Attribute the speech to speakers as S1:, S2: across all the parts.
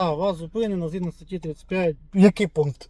S1: Вас зупинено згідно статті 35.
S2: Який пункт?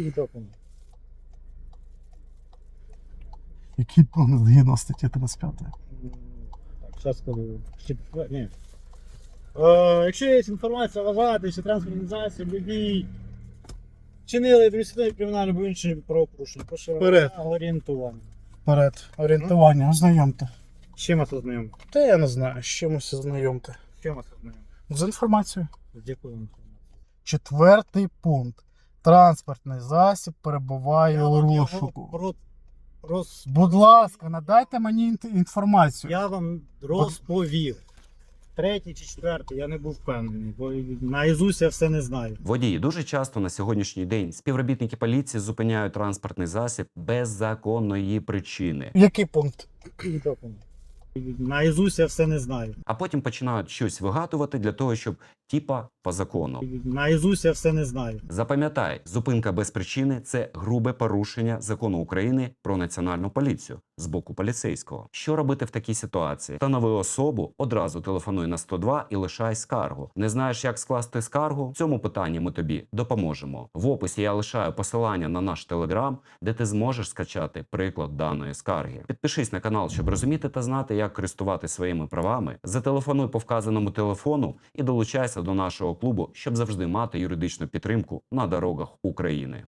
S2: Який пункт згідно статті 35?
S1: Так, зараз скажу. Ні. Якщо є інформація, вважати, що транспортний засіб, водій чинили адміністративне кримінальне або інші правопорушення. Прошу
S2: Вперед.
S1: орієнтування.
S2: Вперед. Орієнтування, ознайомте.
S1: З чим вас ознайомити?
S2: Та я не знаю, з чимось ознайомте.
S1: З чим вас ознайомити?
S2: З інформацією.
S1: З якою інформацією?
S2: 4 пункт. Транспортний засіб перебуває у розшуку. Будь ласка, надайте мені інформацію.
S1: Я вам розповів. 3-й чи 4-й, я не був впевнений, бо наізусть я все не знаю.
S3: Водії дуже часто на сьогоднішній день співробітники поліції зупиняють транспортний засіб без законної причини,
S2: Який пункт?
S1: Наізусть я все не знаю.
S3: а потім починають щось вигадувати для того, щоб типа по закону.
S1: Наізусть я все не знаю.
S3: Запам'ятай, зупинка без причини – це грубе порушення закону України про національну поліцію з боку поліцейського. Що робити в такій ситуації? Встанови особу, одразу телефонуй на 102 і лишай скаргу. Не знаєш, як скласти скаргу? В цьому питанні ми тобі допоможемо. В описі я лишаю посилання на наш телеграм, де ти зможеш скачати приклад даної скарги. Підпишись на канал, щоб розуміти та знати, як користуватися своїми правами. Зателефонуй по вказаному телефону і долучайся до нашого клубу, щоб завжди мати юридичну підтримку на дорогах України.